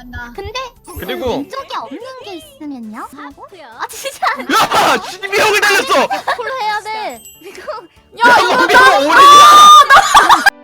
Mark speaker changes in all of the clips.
Speaker 1: 근데
Speaker 2: 그리고
Speaker 1: 왼쪽에 없는 게 있으면요? 하고? 아 진짜
Speaker 2: 야! 신비형을 달렸어!
Speaker 1: 그걸로 해야 돼. 이거
Speaker 2: 야 이거 미안 오래야!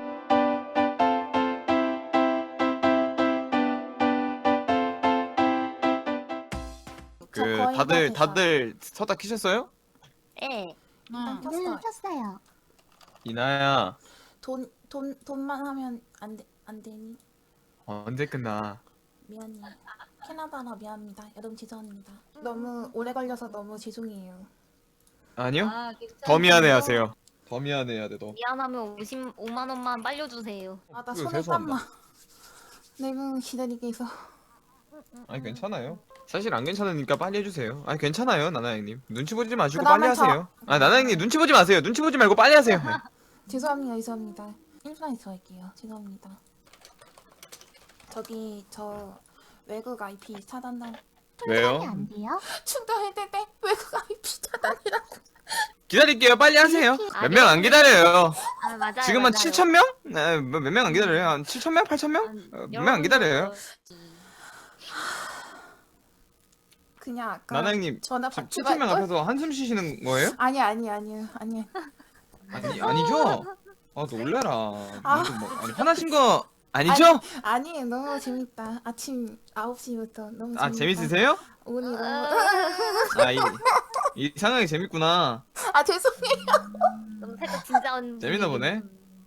Speaker 2: 그 다들 서다 키셨어요?
Speaker 1: 예.
Speaker 3: 켰어요.
Speaker 1: 켰어요.
Speaker 2: 이나야
Speaker 3: 돈만 하면 안 되니?
Speaker 2: 언제 끝나?
Speaker 3: 미안해. 캐나다라 미안합니다. 여러분 죄송합니다. 너무 오래 걸려서 너무 죄송해요.
Speaker 2: 아니요? 더 미안해하세요. 더 미안해야 돼 너.
Speaker 1: 미안하면 55만 원만 빨려주세요.
Speaker 3: 아 나
Speaker 2: 그거
Speaker 3: 손에
Speaker 2: 죄송합니다.
Speaker 3: 땀나. 너무 기다리게 해서.
Speaker 2: 아니 괜찮아요. 사실 안 괜찮으니까 빨리 해주세요. 아니 괜찮아요 나나 형님. 눈치 보지 마시고
Speaker 3: 그다음에
Speaker 2: 빨리 하세요. 아 나나 형님 눈치 보지 마세요. 눈치 보지 말고 빨리 하세요. 네.
Speaker 3: 죄송합니다. 1분에서 할게요. 죄송합니다. 저기 저 외국 IP 차단당
Speaker 2: 왜요?
Speaker 1: 안 돼요?
Speaker 3: 충전했는데 외국 IP 차단이라고.
Speaker 2: 기다릴게요. 빨리 하세요. 몇 명 안 기다려요.
Speaker 1: 아 맞아요.
Speaker 2: 지금 한 7,000명? 네, 몇 명 안 기다려요. 한 7,000명? 8,000명? 몇 명 안 기다려요.
Speaker 3: 그냥 아까
Speaker 2: 나나 형님
Speaker 3: 전화
Speaker 2: 지금
Speaker 3: 받지
Speaker 2: 7,000명
Speaker 3: 말걸?
Speaker 2: 앞에서 한숨 쉬시는 거예요?
Speaker 3: 아니요.
Speaker 2: 아니죠? 아 놀래라.
Speaker 3: 아.
Speaker 2: 무슨 뭐, 아니 화나신 거 아니죠?
Speaker 3: 아니에요. 너무 재밌다. 아침 9시부터 너무 재밌다.
Speaker 2: 아 재밌으세요?
Speaker 3: 오늘 너무
Speaker 2: 아 이 상황이 재밌구나.
Speaker 3: 아 죄송해요.
Speaker 1: 너무 살짝 진짜
Speaker 2: 재밌나 보네.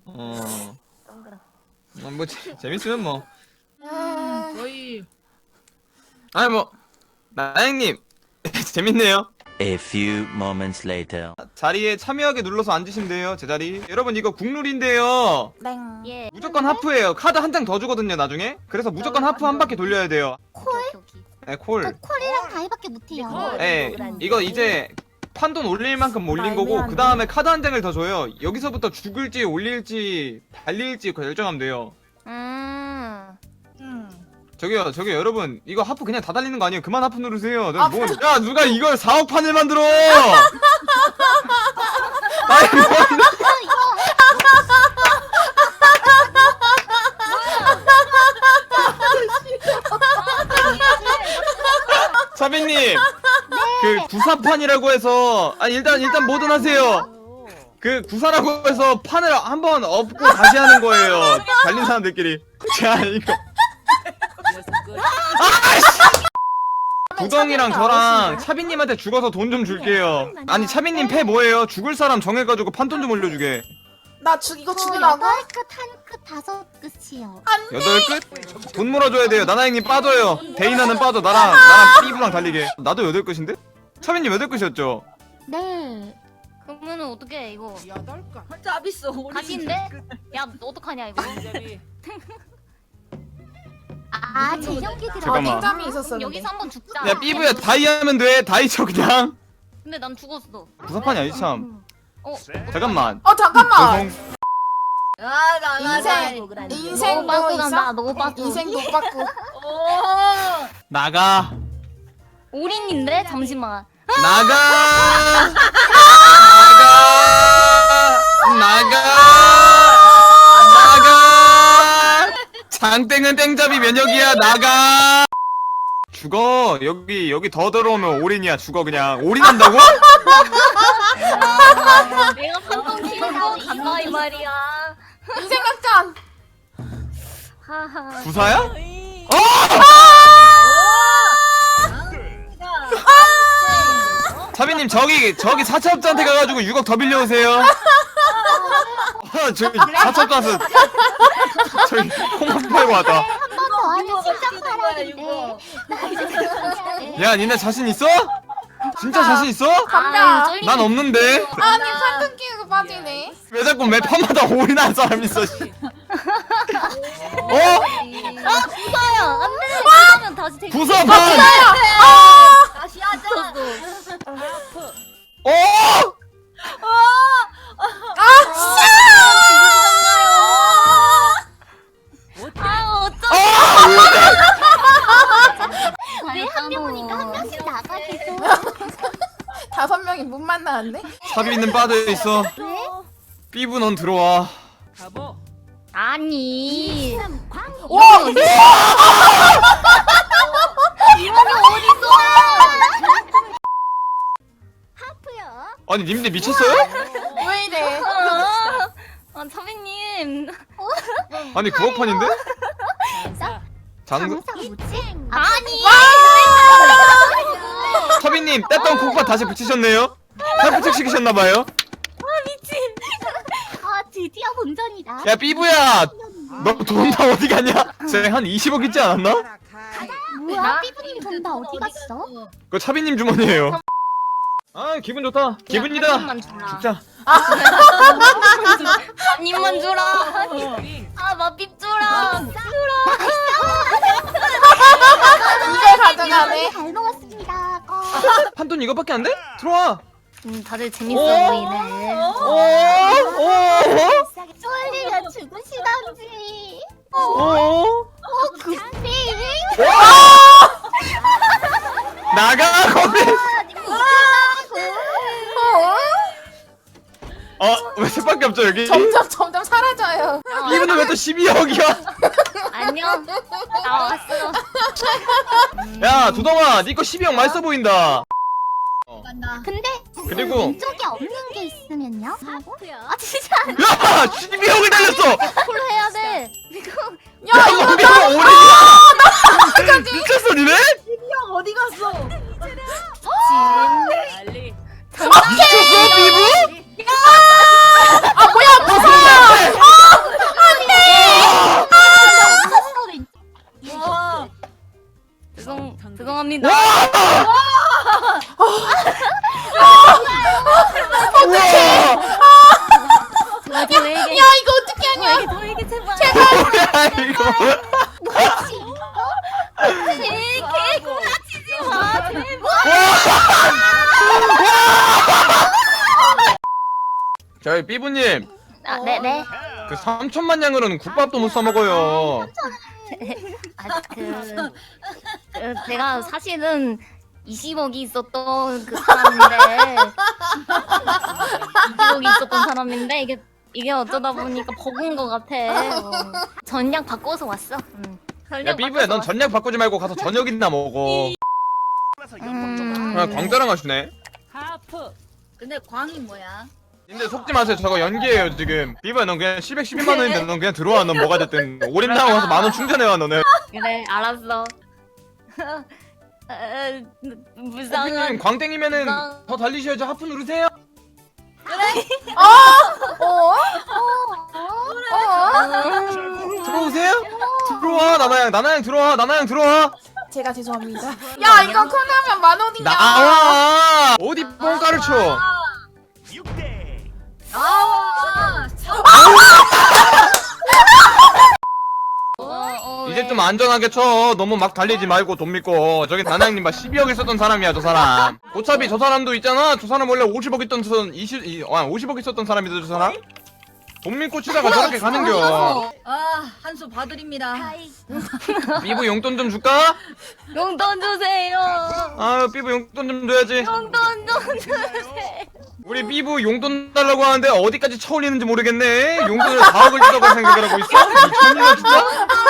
Speaker 2: 뭐 재밌으면 뭐.
Speaker 4: 거의
Speaker 2: 아니 뭐 나영님 재밌네요.
Speaker 5: A few moments later.
Speaker 2: 자리에 참여하게 눌러서 앉으시면 돼요. 제 자리. 여러분 이거 국룰인데요.
Speaker 3: 땡.
Speaker 1: 예.
Speaker 2: 무조건 하프예요. 카드 한 장 더 주거든요 나중에. 그래서 무조건 하프 한 바퀴 돌려야 돼요. 네, 콜.
Speaker 1: 저 콜이랑 다이밖에 못해요.
Speaker 2: 네, 이거 이제 판돈 올릴 만큼 올린 거고
Speaker 3: 애매하네.
Speaker 2: 그 다음에 카드 한 장을 더 줘요. 여기서부터 죽을지 올릴지 달릴지 결정하면 돼요. 저기요 여러분 이거 하프 그냥 다 달리는 거 아니에요? 그만 하프 누르세요. 야 누가 이걸 4억 판을 만들어? 아니 뭐 차비님 그 구사판이라고 해서 일단 뭐든 하세요. 그 구사라고 해서 판을 한번 엎고 다시 하는 거예요. 달린 사람들끼리. 자 이거 구덩이랑 저랑 차비님한테 죽어서 돈 좀 줄게요. 아니 차비님 패 뭐예요? 죽을 사람 정해가지고 판돈 좀 올려주게.
Speaker 3: 나 이거 죽으라고?
Speaker 1: 8끝 1끝 5끝이요.
Speaker 2: 8끝? 돈 몰아줘야 돼요. 나나 형님 빠져요. 데이나는 빠져. 나랑 삐부랑 달리게. 나도 8끝인데? 차비님 8끝이었죠?
Speaker 1: 네. 그러면은 어떻게 이거
Speaker 4: 여덟가 짭있어.
Speaker 1: 다시인데? 야 어떡하냐 이거?
Speaker 4: 재미.
Speaker 1: 아 재경기 들어.
Speaker 2: 잠깐만.
Speaker 3: 땡감이 있었어.
Speaker 1: 여기서 한번 죽자.
Speaker 2: 야 삐부야 다이 하면 돼. 다이 쳐 그냥.
Speaker 1: 근데 난 죽었어.
Speaker 2: 구사판이 아니지 참. 잠깐만.
Speaker 3: 잠깐만.
Speaker 2: 죄송.
Speaker 3: 인생
Speaker 1: 너무
Speaker 3: 뭐
Speaker 1: 빠꾸 간다.
Speaker 3: 있어?
Speaker 1: 너무 빠꾸.
Speaker 3: 인생 못 받고.
Speaker 2: 나가.
Speaker 1: 올인인데 잠시만.
Speaker 2: 나가. 나가. 장땡은 땡잡이 면역이야. 나가. 죽어. 여기 더 들어오면 올인이야. 죽어 그냥. 올인한다고?
Speaker 1: 내가 판돈 키는 거 간다 이 말이야.
Speaker 3: 인생 약간.
Speaker 1: 하하.
Speaker 2: 구사야? 어! 차비님 저기 사채업자한테 가가지고 6억 더 빌려오세요. 저기 사채업 가서 저기 콩밥 팔고 왔다.
Speaker 1: 한번더 하면 진짜 팔아야겠네. 나 이제 들어가야 돼.
Speaker 2: 야 니네 자신 있어? 진짜 자신 있어?
Speaker 1: 아,
Speaker 2: 난 없는데.
Speaker 3: 아니 판돈 끼고 빠지네.
Speaker 2: 왜 자꾸 매 판마다 올인하는 사람 있어? 씨. 어?
Speaker 1: 아 구사야. 안돼. 구사면 다시 되게.
Speaker 2: 구사판.
Speaker 1: 다시 하자.
Speaker 2: 어?
Speaker 1: 아 어쩌?
Speaker 2: 어?
Speaker 1: 왜한 명이니까 한 명씩 나가 계속.
Speaker 3: 5명이 못 만나는데?
Speaker 2: 차비는 빠져 있어.
Speaker 1: 왜?
Speaker 2: 삐부 넌 들어와.
Speaker 4: 가보.
Speaker 1: 아니.
Speaker 3: 와!
Speaker 2: 아니 님들 미쳤어요?
Speaker 3: 왜 이래?
Speaker 1: 차비님.
Speaker 2: 아니 9억판인데? 장사?
Speaker 1: 아니.
Speaker 2: 서빈님 뗐던 콩팥 다시 붙이셨네요? 탈부착 시키셨나봐요?
Speaker 1: 미친. 아 드디어 본전이다.
Speaker 2: 야 삐부야 너 돈 다 어디 갔냐? 쟤한 20억 있지 않았나?
Speaker 1: 뭐야? 삐부님 돈 다 어디 갔어?
Speaker 2: 그거 차비님 주머니에요. 아 기분 좋다. 기분이다.
Speaker 1: 한 입만 주라.
Speaker 2: 진짜.
Speaker 1: 한 입만 주라. 아 맛빛 주라.
Speaker 3: 이걸 가져가네.
Speaker 1: 잘 먹었습니다.
Speaker 2: 한돈 이거밖에 안 돼? 들어와.
Speaker 1: 다들 재밌어 보이네. 쫄리면 죽으시던지. 구피.
Speaker 2: 나가 거기. 왜 색밖에 없죠 여기?
Speaker 3: 점점 사라져요.
Speaker 2: 이분은 왜 또 12억이야?
Speaker 1: 안녕. 나왔어.
Speaker 2: 야 두덩아 니거 12억 맛있어 보인다.
Speaker 1: 근데
Speaker 2: 그리고
Speaker 1: 왼쪽에 없는 게 있으면요? 아 진짜
Speaker 2: 야 12억을 달렸어.
Speaker 1: 콜로 해야 돼. 이거
Speaker 2: 야 이거 오래야. 미쳤어 니네?
Speaker 4: 어디 갔어?
Speaker 2: 미쳤어 삐부?
Speaker 3: 아 뭐야 무서워.
Speaker 4: 와.
Speaker 1: 죄송합니다.
Speaker 3: 야 이거 어떻게 하냐?
Speaker 1: 저에게 제발.
Speaker 2: 뭐야 이거?
Speaker 1: 개구라치지 마. 제발.
Speaker 2: 저희 삐부님
Speaker 1: 아 네네.
Speaker 2: 그 3천만 양으로는 국밥도 못 사 먹어요.
Speaker 1: 제가 사실은 20억이 있었던 그 사람인데 20억이 있었던 사람인데 이게 어쩌다 보니까 버그인 것 같아. 전략 바꿔서 왔어.
Speaker 2: 야 삐부야 넌 전략 바꾸지 말고 가서 저녁이나 먹어. 광자랑 하시네.
Speaker 4: 근데 광이 뭐야?
Speaker 2: 근데 속지 마세요. 저거 연기예요 지금. 삐부야 넌 그냥 12만 원인데 넌 그냥 들어와. 넌 뭐가 됐든 올인당하고 가서 10,000원 충전해와 너네.
Speaker 1: 그래 알았어. 무상한
Speaker 2: 삐부님 광땡이면은 더 달리셔야죠. 하프 누르세요. 들어오세요? 들어와 나나양 들어와. 나나양 들어와.
Speaker 3: 제가 죄송합니다. 야 이거 콜하면 10,000원이야.
Speaker 2: 나와. 어디 뻥가를 쳐.
Speaker 4: 나와.
Speaker 2: 이제 좀 안전하게 쳐. 너무 막 달리지 말고 돈 믿고. 저기 나나양님 막 12억 있었던 사람이야 저 사람. 어차피 저 사람도 있잖아. 저 사람 원래 50억 있던 50억 있었던 사람이다 저 사람. 돈 믿고 치다가 저렇게 가는겨.
Speaker 4: 한수 봐드립니다.
Speaker 2: 삐부 용돈 좀 줄까?
Speaker 1: 용돈 주세요.
Speaker 2: 아유 삐부 용돈 좀 줘야지.
Speaker 1: 용돈 좀 주세요.
Speaker 2: 우리 삐부 용돈 달라고 하는데 어디까지 쳐올리는지 모르겠네. 용돈을 4억을 주라고 생각을 하고 있어? 미쳤냐 진짜?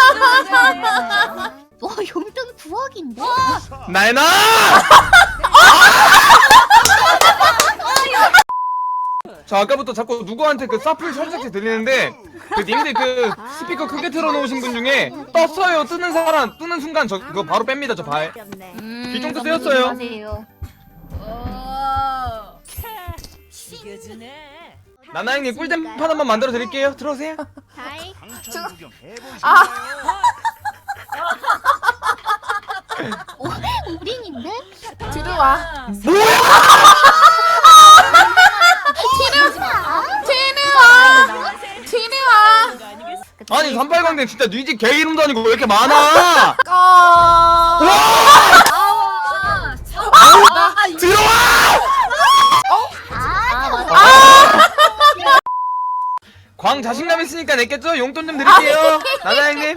Speaker 1: 용돈 9억인데?
Speaker 2: 나연아! 저 아까부터 자꾸 누구한테 그 사플 설정체 들리는데 그 님들 그 스피커 크게 틀어놓으신 분 중에 떴어요 뜨는 사람 뜨는 순간 저 그거 바로 뺍니다 저 발. 귀 쫑긋 뜨였어요.
Speaker 1: 하세요.
Speaker 2: 나나형님 꿀잼판 한번 만들어 드릴게요. 들어오세요.
Speaker 1: 우린인데?
Speaker 3: 들어와.
Speaker 2: 뭐야?
Speaker 3: 들어와.
Speaker 2: 아니 38광대 진짜 뉘집 개 이름도 아니고 왜 이렇게 많아? 들어와! 광 자신감 있으니까 냈겠죠? 용돈 좀 드릴게요. 나나형님.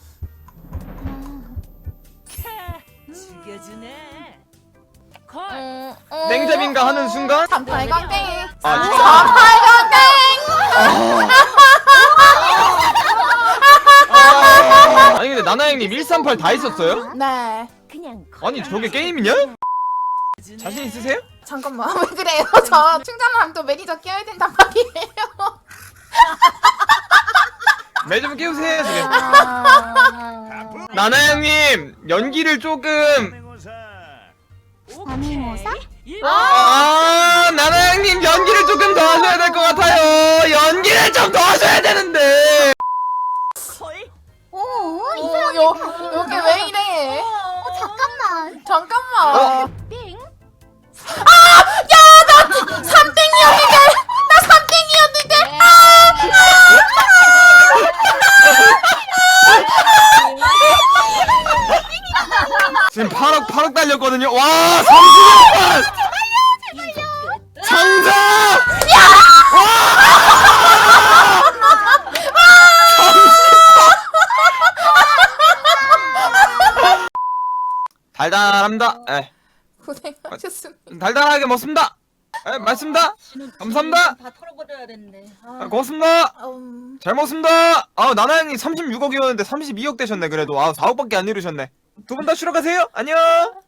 Speaker 2: 냉잡인가 하는 순간
Speaker 3: 38광땡.
Speaker 2: 아 진짜?
Speaker 3: 38광땡.
Speaker 2: 아니 근데 나나형님 138 다 있었어요?
Speaker 3: 네.
Speaker 2: 아니 저게 게임이냐? 자신 있으세요?
Speaker 3: 잠깐만 왜 그래요? 저 충전하면 또 매니저 껴야 된단 말이에요.
Speaker 2: 매 좀 끼우세요 지금.
Speaker 1: 아...
Speaker 2: 나나 형님 연기를 조금.
Speaker 1: 아미모사?
Speaker 2: 나나 형님 연기를 조금 더 하셔야 될 것 같아요. 연기를 좀 더 하셔야 되는데.
Speaker 1: 오,
Speaker 3: 여기 왜 이래?
Speaker 1: 잠깐만.
Speaker 3: 잠깐만.
Speaker 1: 빙.
Speaker 3: 나 3땡이었는데. 나 3땡이었는데.
Speaker 2: 지금 8억 달렸거든요. 와 30억. 정답. 달달합니다. 에,
Speaker 3: 고생하셨습니다.
Speaker 2: 달달하게 먹습니다. 에, 맛있습니다. 감사합니다.
Speaker 4: 다 털어버려야 되는데.
Speaker 2: 고맙습니다.
Speaker 3: 음,
Speaker 2: 잘 먹습니다. 나나 형님 36억이었는데 32억 되셨네. 그래도 4억밖에 안 이루셨네. 두 분 다 쉬러 가세요. 안녕.